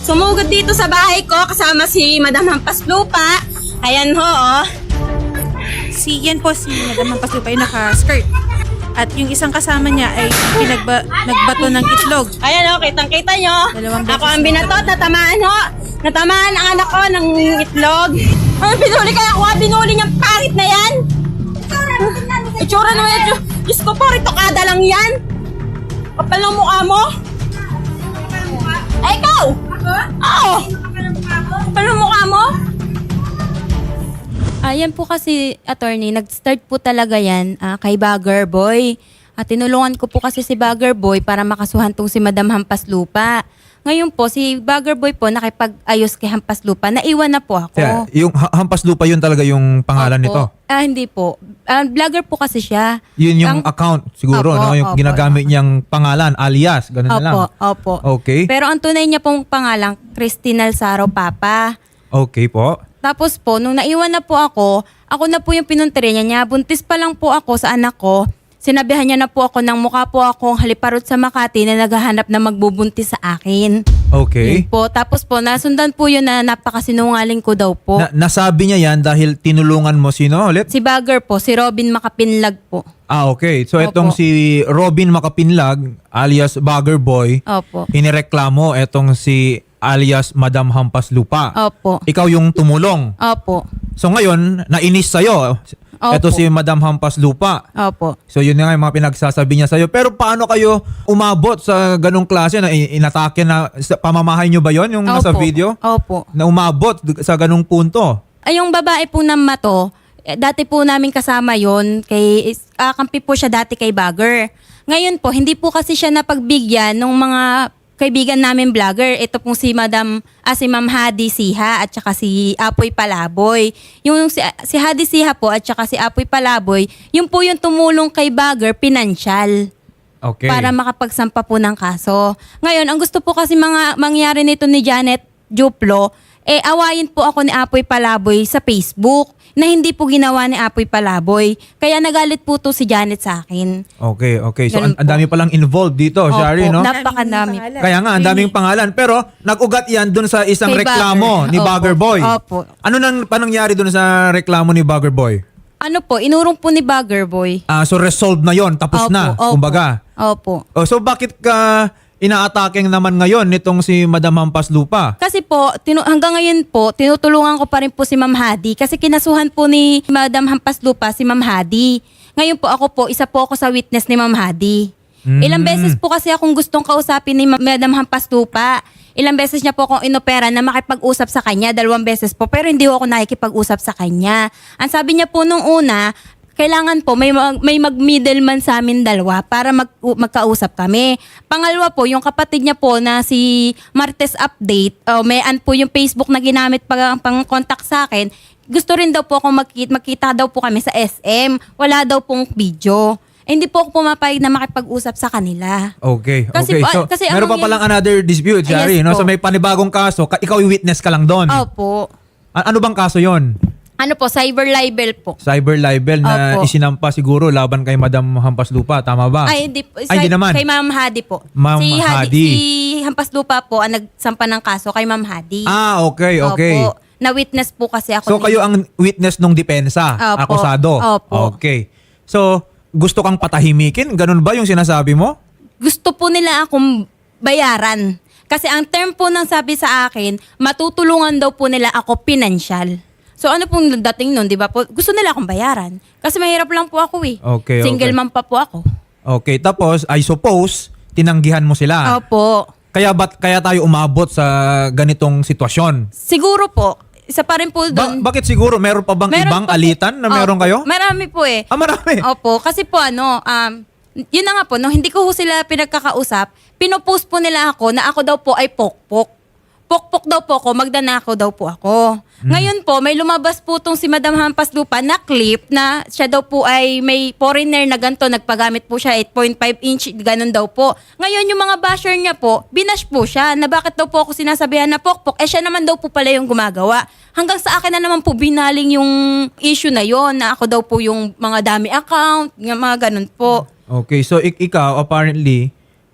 Sumugod dito sa bahay ko kasama si Madam Hampas Lupa. Ayan ho, oh. Yan po si Madam Hampas Lupa yung naka-skirt. At yung isang kasama niya ay nagbato ng itlog. Ayan ho, kitang-kita nyo. Dalawang beses Ako ang binatot, natamaan ho. Natamaan ang anak ko ng itlog. Ano pinuli kaya ko? Binuli niyang pangit na yan. Itsura naman yan. Diyos ko po, ritokada lang yan. Kapal ng mukha mo. Ay, ikaw! Oo! Kapal ng mukha mo. Yan po kasi, attorney, nag-start po talaga yan kay Bagger Boy. Tinulungan ko po kasi si Bagger Boy para makasuhan tong si Madam Hampas Lupa. Ngayon po, si Bagger Boy po nakipag-ayos kay Hampas Lupa. Naiwan na po ako. Kaya, yung Hampas Lupa yun talaga yung pangalan Opo. nito? Hindi po. Vlogger po kasi siya. Yun yung account siguro, Opo, no? Yung opo. ginagamit niyang pangalan, alias, ganun na lang. Opo. Okay. Pero ang tunay niya pong pangalan, Christine Alzaro Papa. Okay po. Tapos po, nung naiwan na po ako na po yung pinuntiri niya. Buntis pa lang po ako sa anak ko. Sinabihan niya na po ako ng mukha po akong haliparot sa Makati na naghahanap na magbubuntis sa akin. Okay. Yun po. Tapos po, nasundan po yun na napakasinungaling ko daw po. Nasabi niya yan dahil tinulungan mo sino ulit? Si Bagger po, si Robin Makapinlag po. Okay. So itong Opo. si Robin Makapinlag alias Bagger Boy, Opo. inireklamo etong si alias Madam Hampas Lupa. Opo. Ikaw yung tumulong. Opo. So ngayon, nainis sa'yo. Opo. Ito si Madam Hampas Lupa. Opo. So yun nga yung mga pinagsasabi niya sa'yo. Pero paano kayo umabot sa ganong klase na inatake na pamamahay niyo ba yon yung nasa Opo. video? Opo. Na umabot sa ganong punto? Ay, yung babae po ng mato, dati po namin kasama yon kay kampi po siya dati kay Bagger. Ngayon po, hindi po kasi siya napagbigyan ng mga kaibigan namin vlogger. Ito pong si si Ma'am Hadi Siha at saka si Apoy Palaboy. Yung si Hadi Siha po at saka si Apoy Palaboy, yun po yung tumulong kay Bagger pinansyal. Okay. Para makapagsampa po ng kaso. Ngayon, ang gusto po kasi mangyari nito ni Janet Juplo, awayin po ako ni Apoy Palaboy sa Facebook na hindi po ginawa ni Apoy Palaboy. Kaya nagalit po to si Janet sa akin. Okay. So Ganun ang dami palang involved dito, Shari, no? Napakadami. Kaya nga, ang daming pangalan. Pero nag-ugat yan dun sa isang Kay reklamo Bagger. ni Opo. Bagger Boy. Opo. Ano nang panangyari dun sa reklamo ni Bagger Boy? Ano po, inurong po ni Bagger Boy. So resolved na yon, tapos na, kumbaga. Opo. So bakit ka inaatake naman ngayon nitong si Madam Hampas Lupa? Kasi po, hanggang ngayon po, tinutulungan ko pa rin po si Ma'am Hadi kasi kinasuhan po ni Madam Hampas Lupa si Ma'am Hadi. Ngayon po isa po ako sa witness ni Ma'am Hadi. Ilang beses po kasi akong gustong kausapin ni Madam Hampas Lupa. Ilang beses niya po akong inopera na makipag-usap sa kanya, 2 beses po, pero hindi ako nakikipag-usap sa kanya. Ang sabi niya po nung una, kailangan po may mag-middleman sa amin 2 para magkausap kami. Pangalawa po, yung kapatid niya po na si Martes Update, mayan po yung Facebook na ginamit pang contact sa akin. Gusto rin daw po akong magkita daw po kami sa SM. Wala daw pong video. Hindi po ako pumapayag na makipag-usap sa kanila. Okay. Kasi So, kasi meron pa palang another dispute, Shari, Yes no? po. So may panibagong kaso, ikaw yung witness ka lang doon. Opo. Ano bang kaso yon? Ano po, cyber libel po. Cyber libel na Opo. isinampa siguro laban kay Madam Hampas Lupa, tama ba? Ay, hindi po. Ay, hindi naman. Kay Ma'am Hadi po. Ma'am Hadi. Si Hampas Lupa po ang nagsampa ng kaso kay Ma'am Hadi. Okay. Opo. Na-witness po kasi ako. So kayo ang witness nung depensa, Opo. akusado. Opo. Okay. So, gusto kang patahimikin? Ganun ba yung sinasabi mo? Gusto po nila akong bayaran. Kasi ang term po ng sabi sa akin, matutulungan daw po nila ako pinansyal. So ano pong dating nun, di ba po? Gusto nila akong bayaran. Kasi mahirap lang po ako eh. Okay, Single okay. mom pa po ako. Okay, tapos I suppose tinanggihan mo sila. Opo. Kaya tayo umabot sa ganitong sitwasyon? Siguro po, isa pa rin po doon. Bakit siguro meron pa bang ibang pa po. alitan na meron Opo. kayo? Marami po eh. Marami. Opo, kasi po yun na nga po, no, hindi ko ho sila pinagkakausap, pinopost po nila ako na ako daw po ay pokpok. Pokpok daw po ako, magdanakaw daw po ako. Ngayon po, may lumabas po tong si Madam Hampas Lupa na clip na siya daw po ay may foreigner na ganito, nagpagamit po siya 8.5 inch, ganun daw po. Ngayon yung mga basher niya po, binash po siya na bakit daw po ako sinasabihan na pokpok, siya naman daw po pala yung gumagawa. Hanggang sa akin na naman po binaling yung issue na yon na ako daw po yung mga dami account, yung mga ganun po. Okay, so ikaw apparently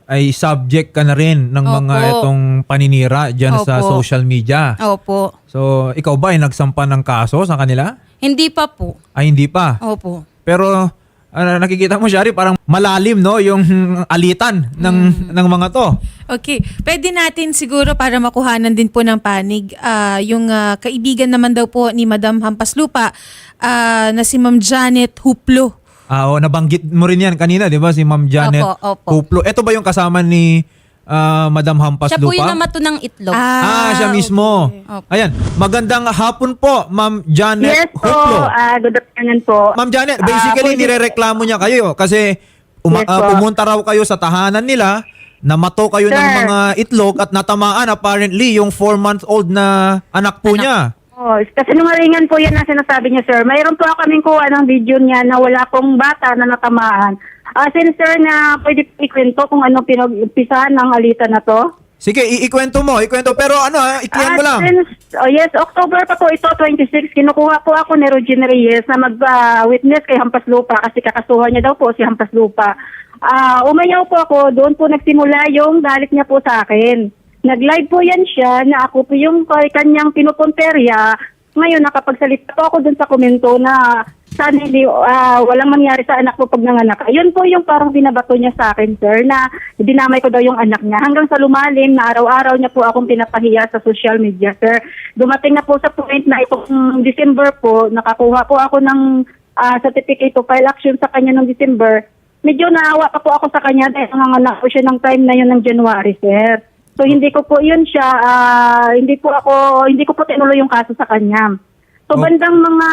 ay subject ka na rin ng mga Opo. itong paninira dyan sa Opo. social media. Opo. So, ikaw ba ay nagsampa ng kaso sa kanila? Hindi pa po. Ay, hindi pa. Opo. Pero nakikita mo, Shari, parang malalim, no? Yung alitan ng mga to. Okay. Pwede natin siguro para makuhanan din po ng panig, yung kaibigan naman daw po ni Madam Hampaslupa na si Ma'am Janet Huplo. Nabanggit mo rin yan kanina, di ba? Si Ma'am Janet Opo. Huplo. Ito ba yung kasama ni Madam Hampas Siya po Lupa? yung namato ng itlog. Siya mismo. Opo. Ayan. Magandang hapon po, Ma'am Janet Yes po, Huplo. good afternoon po. Ma'am Janet, basically nirereklamo niya kayo kasi Yes po. pumunta raw kayo sa tahanan nila, namato kayo ng Sir. mga itlog at natamaan apparently yung 4-month-old na anak po niya. Oh, kasi nungalingan po yan na sinasabi niya, sir. Mayroon po kaming kuha ng video niya na wala pong bata na natamaan. Since, sir, na pwede po ikwento kung ano pinag-umpisahan ng alitan na to. Sige, ikwento mo. Pero i-clear mo lang. Yes, October pa po ito, 26. Kinukuha po ako ni Regine Reyes na mag-witness kay Hampas Lupa kasi kakasuhan niya daw po si Hampas Lupa. Umayaw po ako, doon po nagsimula yung galit niya po sa akin. Nag-live po yan siya na ako po yung kanyang pinupunterya. Ngayon, nakapagsalita po ako dun sa komento na sana hindi, walang mangyari sa anak ko pag nanganak. Yun po yung parang binabato niya sa akin, sir, na dinamay ko daw yung anak niya. Hanggang sa lumalim na araw-araw niya po akong pinapahiya sa social media, sir. Dumating na po sa point na itong December po, nakakuha po ako ng certificate to file action sa kanya ng December. Medyo naawa pa po ako sa kanya dahil nanganak po siya ng time na yun ng January, sir. So hindi ko po yun siya, hindi ko po tinuloy yung kaso sa kanya. So bandang mga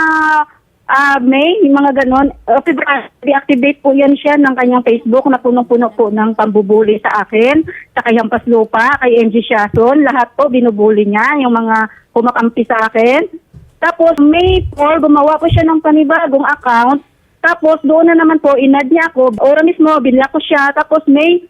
May, yung mga ganon, February, deactivate po yan siya ng kanyang Facebook na punong-puno po ng pambubuli sa akin, sa kay Hampas Lupa, kay MG Shason, lahat po binubuli niya, yung mga kumakampi sa akin. Tapos May 4, gumawa po siya ng panibagong account. Tapos doon na naman po, inad niya ako. Ora mismo, binlock ko siya. Tapos May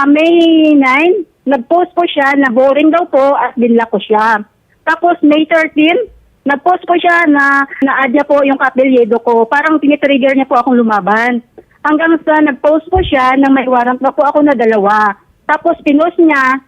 9, nag-post po siya na boring daw po at binlock ko siya. Tapos May 13, nag-post po siya na na-add niya po yung kaapelyedo ko. Parang tinitrigger niya po akong lumaban. Hanggang sa nag-post po siya na may warrant na po ako na 2. Tapos pinost niya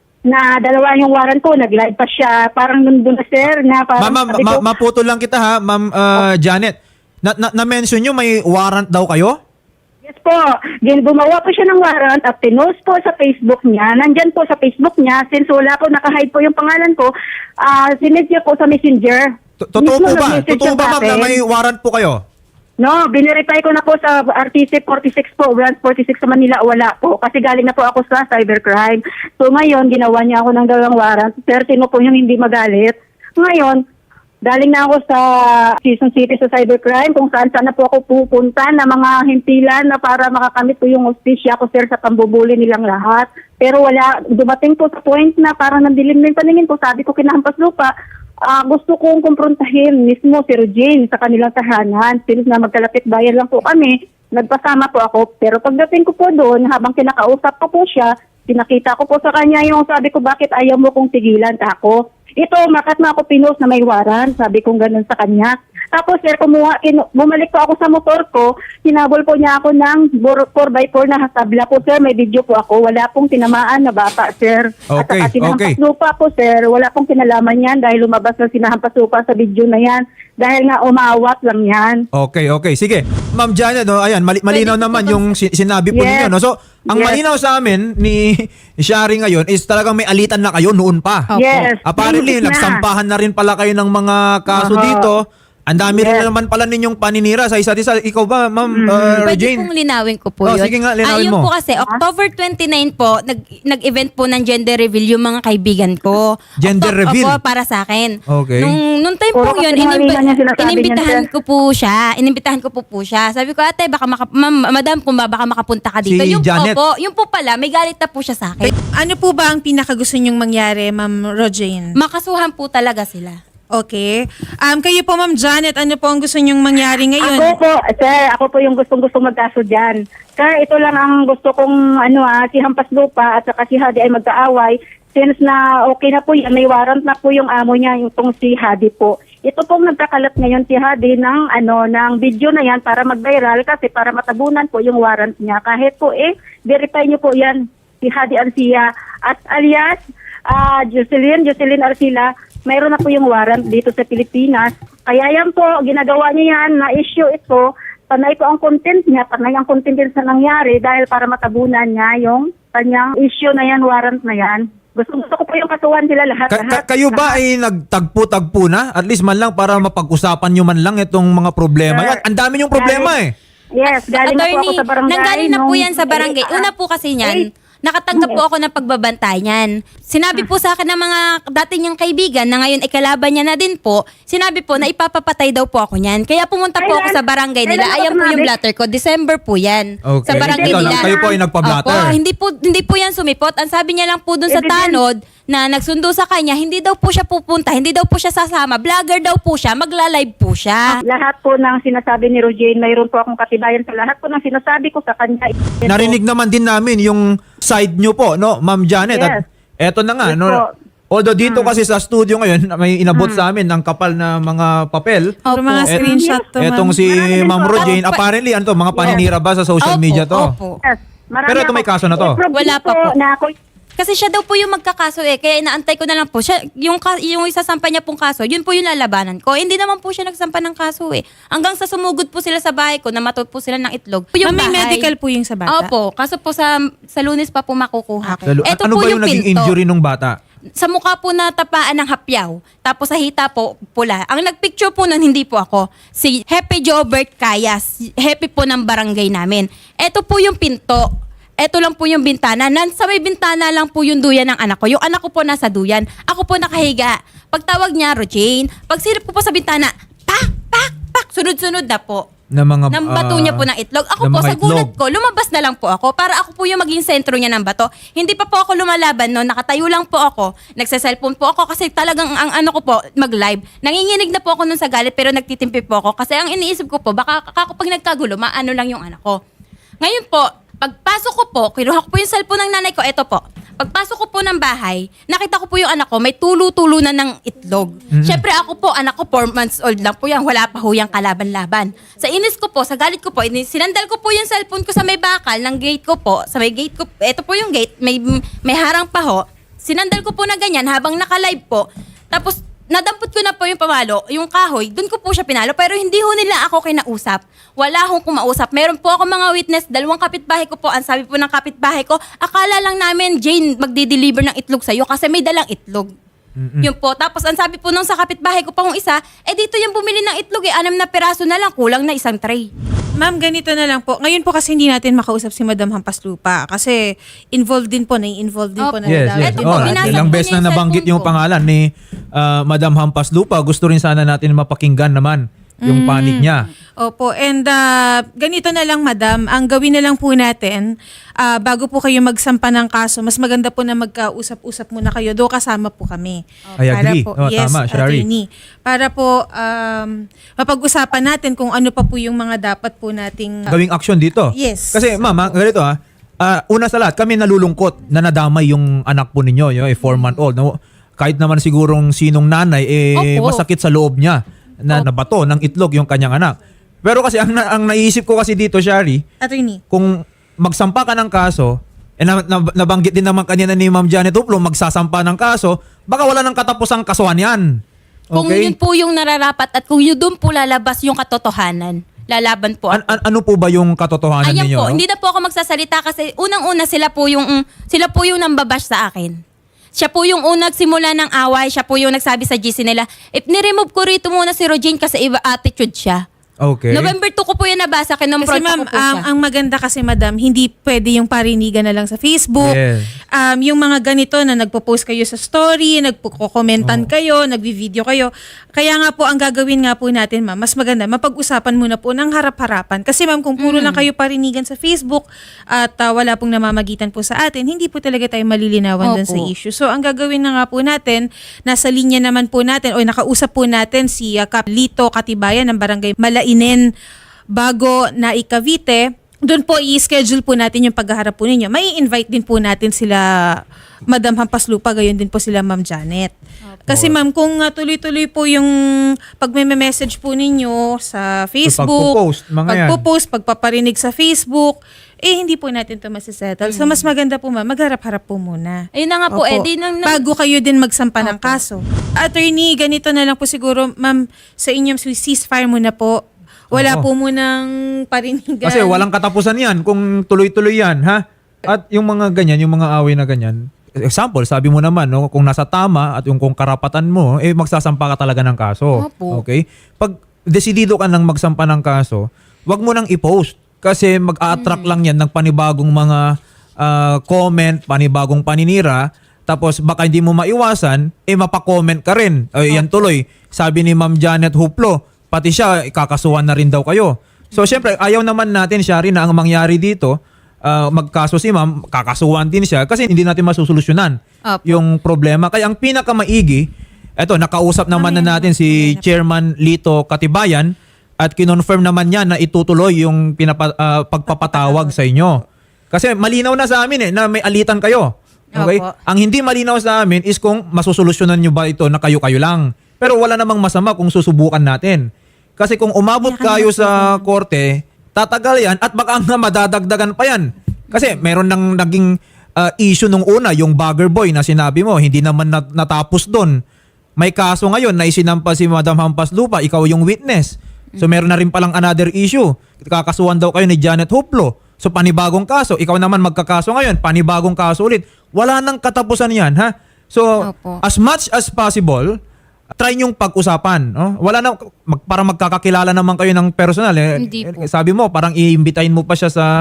na 2 yung warrant ko. Nag-live pa siya. Parang nandun na, sir, na parang sabi ko, Maputol lang kita ha, Ma'am Janet. Na-mention nyo may warrant daw kayo? yes po. Gumawa po siya ng warrant at pinost po sa Facebook niya. Nandyan po sa Facebook niya. Since wala po, nakahide po yung pangalan ko, sinend niya po sa Messenger. Totoo Mismo po ba? nag-message Totoo siya ba, sa ma'am, na akin. may warrant po kayo? No, binireply ko na po sa RTC 46 po, branch 46 sa Manila, wala po. Kasi galing na po ako sa cybercrime. So ngayon, ginawa niya ako ng 2 warrant. Sino po yung hindi magalit. Ngayon, galing na ako sa Quezon City sa cybercrime kung saan na po ako pupunta na mga himpilan na para makakamit po yung hostisya ko, sir, sa pambubuli nilang lahat. Pero wala, dumating po sa point na parang nandilim na yung paningin ko. Sabi ko kinahampas lupa, gusto kong kumprontahin mismo si Regine sa kanilang tahanan. Since na magkalapit bayan lang po kami, nagpasama po ako. Pero pagdating ko po doon, habang kinakausap ko po siya, pinakita ko po sa kanya yung sabi ko, bakit ayaw mo kong tigilan ako? Ito, makat na ako pinost na may warrant, sabi kong ganun sa kanya. Tapos, sir, bumalik po ako sa motor ko, hinabol po niya ako ng 4x4 na hasabla po, sir. May video po ako, wala pong tinamaan na bata, sir. At Okay, saka sinahampas okay. lupa po, sir, wala pong kinalaman yan dahil lumabas na sinahampas lupa sa video na yan. Dahil nga umawat lang yan. Okay. Sige. Ma'am Janet, ayan, malinaw naman yung sinabi po Yes. ninyo. No? So, ang Yes. malinaw sa amin ni Shari ngayon is talagang may alitan na kayo noon pa. Opo. Yes. Apparently, Mahigit na. nagsampahan na rin pala kayo ng mga kaso Aha. dito. Ang dami rin Yes. na naman pala ninyong paninira sa isa't isa. Ikaw ba, Ma'am Pwede Regine? pong linawin ko po Oh, yun. sige nga, linawin yun mo. po kasi, October 29 po, nag-event po ng gender reveal yung mga kaibigan ko. Gender reveal? Opo, para sa akin. Okay. Nung time Puro po yun, kasinungalingan niya sinasabi niya, inimbitahan sir. ko po siya. Inimbitahan ko po siya. Sabi ko, ate, baka madam, kung baka makapunta ka dito. Si Yung Janet. po, yung po pala, may galit na po siya sa akin. Ano po ba ang pinakagusto niyong mangyari, Ma'am Regine? Makasuhan po talaga sila. Okay. Kayo po, Ma'am Janet, ano po ang gusto niyong mangyari ngayon? Ako po yung gustong magkaso dyan. Sir, ito lang ang gusto kong, si Hampas Lupa at saka si Hadi ay magkaaway. Since na okay na po yan, may warrant na po yung amo niya, yung tong si Hadi po. Ito pong nagkakalat ngayon si Hadi ng video na yan para mag-viral kasi para matabunan po yung warrant niya. Kahit po verify niyo po yan. si Hadi Arcia at alias Jocelyn Arcila, mayroon na po yung warrant dito sa Pilipinas. Kaya yan po, ginagawa niya yan, na-issue ito, panay po ang content niya, panay ang content din sa nangyari dahil para matabunan niya yung kanyang issue na yan, warrant na yan. Gusto ko po yung kasuhan sila lahat. Kayo ba ay nagtagpo-tagpo na? At least man lang para mapag-usapan nyo man lang itong mga problema. Sir, Ang dami yung problema eh. Yes, galing na po ako sa barangay. nanggaling na po nung- yan sa barangay. Una po kasi niyan, nakatanggap po ako ng pagbabantay niyan. Sinabi po sa akin ng mga dating niyang kaibigan na ngayon ay kalaban niya na din po, sinabi po na ipapapatay daw po ako niyan. Kaya pumunta po ako sa barangay nila. Ayan po yung blatter ko. December po yan. Okay. Sa barangay Ikaw lang, nila. kayo po ay nagpa-blatter. Opo, hindi po yan sumipot. Ang sabi niya lang po dun sa tanod na nagsundo sa kanya, hindi daw po siya pupunta, hindi daw po siya sasama. Vlogger daw po siya, magla-live po siya. Lahat po ng sinasabi ni Rojane, mayroon po akong katibayan sa lahat po ng sinasabi ko sa kanya. Narinig naman din namin yung side nyo po, no, Ma'am Janet. At eto na nga, Yes no. po. Although dito kasi sa studio ngayon, may inabot sa amin ng kapal na mga papel. Puro mga screenshot to, Etong ma'am. si Marami din Ma'am po. Rojane, apparently ano to, mga paninira ba sa social Opo, media to? opo. Yes, marami Pero ito may kaso na to. Wala pa po. Na ako, Kasi siya daw po yung magkakaso kaya inaantay ko na lang po. Siya, yung isasampa niya pong kaso, yun po yung lalabanan ko. Hindi naman po siya nagsampa ng kaso Hanggang sa sumugod po sila sa bahay ko, namatod po sila ng itlog. Yung Ma'am, may bahay. medical po yung sa bata? Opo, kaso po sa Lunes pa po makukuha. Eto Ano po ba yung naging pinto. injury nung bata? Sa mukha po na tapaan ng hapyaw. Tapos sa hita po, pula. Ang nagpicture po nun, hindi po ako. Si Happy Jobert Cayas. Happy po ng barangay namin. Eto po yung pinto. Eto lang po yung bintana. Sa may bintana lang po yung duyan ng anak ko. Yung anak ko po nasa duyan. Ako po nakahiga. Pagtawag niya, Rojane. Pag silip ko po sa bintana, pak, pak, pak. Sunod-sunod na po. Na mga Nang bato niya po ng itlog. Ako ng po, mga sa gulat itlog. ko, lumabas na lang po ako para ako po yung maging sentro niya ng bato. Hindi pa po ako lumalaban no, nakatayo lang po ako. Nagsa-cellphone po ako kasi talagang ang ano ko po, mag-live. Nanginginig na po ako nun sa galit pero nagtitimpi po ako kasi ang iniisip ko po, baka kapag nagkagulo, maano lang yung anak ko. Ngayon po, pagpasok ko po, kinuha ko po yung cellphone ng nanay ko, eto po. Pagpasok ko po ng bahay, nakita ko po yung anak ko, may tulo-tulo na ng itlog. Syempre ako po, anak ko 4 months old lang po yan, wala pa ho yung kalaban-laban. Sa inis ko po, sa galit ko po, sinandal ko po yung cellphone ko sa may bakal ng gate ko po, sa may gate ko, eto po yung gate, may harang pa ho. Sinandal ko po na ganyan habang naka-live po. Tapos, nadampot ko na po yung pamalo, yung kahoy, doon ko po siya pinalo, pero hindi ho nila ako kinausap. Wala akong kumausap. Meron po ako mga witness, 2 kapitbahay ko po, ang sabi po ng kapitbahay ko, akala lang namin, Jane, magdi-deliver ng itlog sa'yo kasi may dalang itlog. Yun po. Tapos ang sabi po nung sa kapitbahay ko pa kung isa, dito yung bumili ng itlog 6 na peraso na lang, kulang na 1 tray. Ma'am, ganito na lang po. Ngayon po kasi hindi natin makausap si Madam Hampaslupa kasi involved din po Opo. na Yes, yes. Eto po, binasag Ilang po beses niya na yung nabanggit cellphone yung ko. pangalan ni Madam Hampaslupa. Gusto rin sana natin mapakinggan naman yung panig niya. Opo, and ganito na lang madam, ang gawin na lang po natin, bago po kayo magsampa ng kaso, mas maganda po na magkausap-usap muna kayo, do kasama po kami. I agree. Po, Tama, Shari. attorney. Para po mapag-usapan natin kung ano pa po yung mga dapat po nating Gawing action dito. Yes. Kasi mama, ganito una sa lahat, kami nalulungkot na nadamay yung anak po ninyo, yung 4-month-old. No? Kahit naman sigurong sinong nanay, Opo. masakit sa loob niya na nabato ng itlog yung kanyang anak. Pero kasi ang naisip ko kasi dito, Shari, attorney. kung magsampa ka ng kaso, nabanggit din naman kanina ni Ma'am Janet Uplo, magsasampa ng kaso, baka wala nang katapusang kasuhan yan. Kung Okay? yun po yung nararapat at kung yun doon po lalabas yung katotohanan, lalaban po ako. Ano po ba yung katotohanan Ayan ninyo? po, hindi na po ako magsasalita kasi unang-una sila po yung nambabash sa akin. Siya po yung unang simula ng away, siya po yung nagsabi sa GC nila, ni-remove ko rito muna si Rojane kasi iba attitude siya. Okay. November 2 ko po yan nabasa, Kasi kinompront ma'am, ko po siya. ang maganda kasi madam, hindi pwede yung parinigan na lang sa Facebook. Yes. Yung mga ganito na nagpo-post kayo sa story, nagpo-komentan kayo, nagvi-video kayo. Kaya nga po, ang gagawin nga po natin ma'am, mas maganda, mapag-usapan muna po ng harap-harapan. Kasi ma'am, kung puro lang kayo parinigan sa Facebook at wala pong namamagitan po sa atin, hindi po talaga tayo malilinawan dun sa Opo. issue. So, ang gagawin na nga po natin, nasa linya naman po natin, o nakausap po natin si Kap Lito Katibayan ng Barangay Malainen bago na Cavite. Doon po i-schedule po natin yung paghaharap po ninyo. May invite din po natin sila Madam Hampaslupa, gayon din po sila Ma'am Janet. Kasi ma'am, kung tuloy-tuloy po yung pag-message po ninyo sa Facebook, pagpo-post, mga yan. pagpo-post, pagpaparinig sa Facebook, hindi po natin to masisettle. So, mas maganda po ma'am, magharap-harap po muna. Ayun na nga po, Opo. Bago kayo din magsampa ng kaso. Attorney, ganito na lang po siguro, ma'am, sa inyong ceasefire muna po. Wala Oo. po munang parinigan. Kasi walang katapusan yan kung tuloy-tuloy yan, ha? At yung mga ganyan, yung mga away na ganyan, example, sabi mo naman, no, kung nasa tama at yung kung karapatan mo, magsasampa ka talaga ng kaso. Opo. Okay? Pag desidido ka nang magsampa ng kaso, wag mo nang i-post kasi mag-a-attract lang yan ng panibagong mga comment, panibagong paninira, tapos baka hindi mo maiwasan, mapakomment ka rin. Yan tuloy. Sabi ni Ma'am Janet Huplo, pati siya, kakasuhan na rin daw kayo. So, syempre, ayaw naman natin, Shari, na ang mangyari dito, magkaso si Ma'am, kakasuhan din siya kasi hindi natin masusolusyonan Opo. yung problema. Kaya ang pinakamaigi, eto, nakausap naman na natin si Chairman Lito Katibayan at kinonfirm naman niya na itutuloy yung pagpapatawag sa inyo. Kasi malinaw na sa amin na may alitan kayo. Okay? Opo. Ang hindi malinaw sa amin is kung masusolusyonan nyo ba ito na kayo-kayo lang. Pero wala namang masama kung susubukan natin. Kasi kung umabot kayo sa korte, tatagal yan at baka nga madadagdagan pa yan. Kasi meron nang naging issue nung una, yung bagger boy na sinabi mo, hindi naman natapos doon. May kaso ngayon na isinampa si Madam Hampas Lupa, ikaw yung witness. So meron na rin palang another issue. Kakasuhan daw kayo ni Janet Huplo. So panibagong kaso, ikaw naman magkakaso ngayon, panibagong kaso ulit. Wala nang katapusan yan, ha? So Opo. as much as possible, try niyong pag-usapan. No? Wala na, para magkakakilala naman kayo ng personal. Hindi po. Sabi mo, parang iimbitahin mo pa siya sa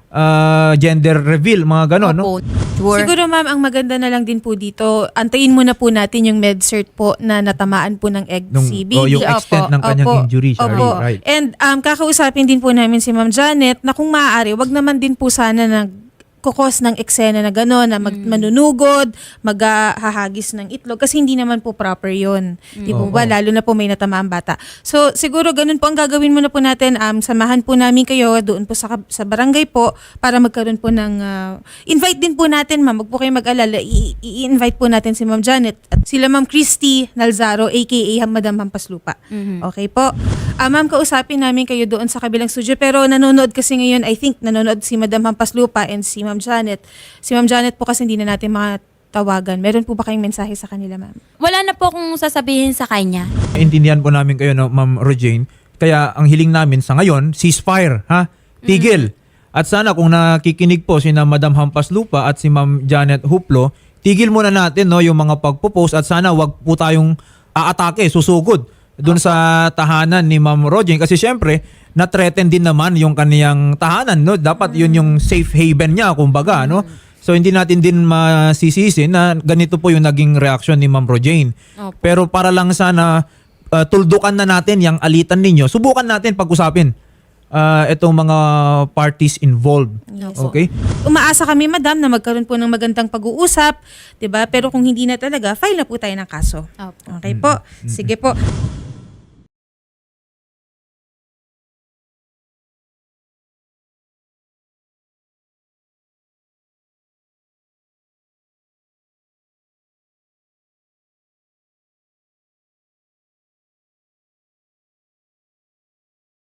gender reveal, mga ganon. No? Opo. Sure. Siguro ma'am, ang maganda na lang din po dito, antayin muna po natin yung med-cert po na natamaan po ng egg CBD. Yung extent ng kanyang injury, Shari. Opo. Right. And kakausapin din po namin si Ma'am Janet na kung maaari, wag naman din po sana kukos ng eksena na gano'n, na manunugod, maghahagis ng itlog, kasi hindi naman po proper yun. Di po ba? Lalo na po may natamaang bata. So, siguro ganun po ang gagawin muna po natin. Samahan po namin kayo doon po sa barangay po para magkaroon po ng... invite din po natin, ma'am. Wag po kayo mag-alala. I-invite po natin si Ma'am Janet at sila Ma'am Christy Nalzaro, aka Madam Hampas Lupa. Okay po. Ma'am, kausapin namin kayo doon sa kabilang studio. Pero nanonood kasi ngayon, I think, nanonood si Madam Hampas Lupa and si Ma'am Janet. Si Ma'am Janet po kasi hindi na natin tawagan. Meron po ba kayong mensahe sa kanila, ma'am? Wala na po akong sasabihin sa kanya. Intindihan po namin kayo, no, Ma'am Rojane. Kaya ang hiling namin sa ngayon, ceasefire, ha? Tigil. At sana kung nakikinig po sina Madam Hampas Lupa at si Ma'am Janet Huplo, tigil muna natin, no, yung mga pagpo-post at sana wag po tayong aatake, susugod doon sa tahanan ni Ma'am Rojane kasi syempre na-threaten din naman yung kaniyang tahanan, no? Dapat yun yung safe haven niya, kumbaga, no? So hindi natin din masisisi na ganito po yung naging reaksyon ni Ma'am Rojane. Opo. Pero para lang sana tuldukan na natin yung alitan ninyo, subukan natin pag-usapin itong mga parties involved. Yes. Okay? Umaasa kami, madam, na magkaroon po ng magandang pag-uusap, 'di ba? Pero kung hindi na talaga, file na po tayo ng kaso. Opo. Okay po. Sige po.